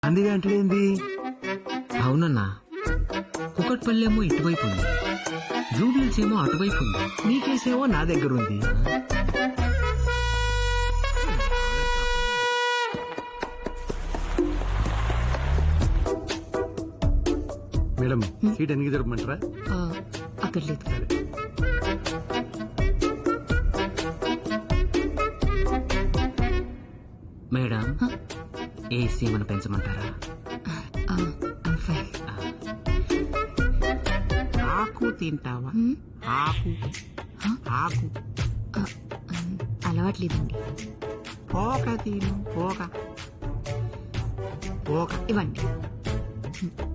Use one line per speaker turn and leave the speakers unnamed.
అందుకే అంటే
అవునన్నా, కుకట్పల్లి ఏమో ఇటువైపు ఉంది, జూబ్లీస్ ఏమో అటువైపు ఉంది.
నీ కేసేమో నా దగ్గర ఉంది. మేడం సీట్ ఎన్నికి జరపమంటారా?
అక్కడ లేదు.
మేడం, ఏసీ ఏమైనా పెంచమంటారా? ఆకు తింటావా? ఆకు ఆకు
అలవాట్లేదండి.
పోక తిను, పోక పోక
ఇవ్వండి.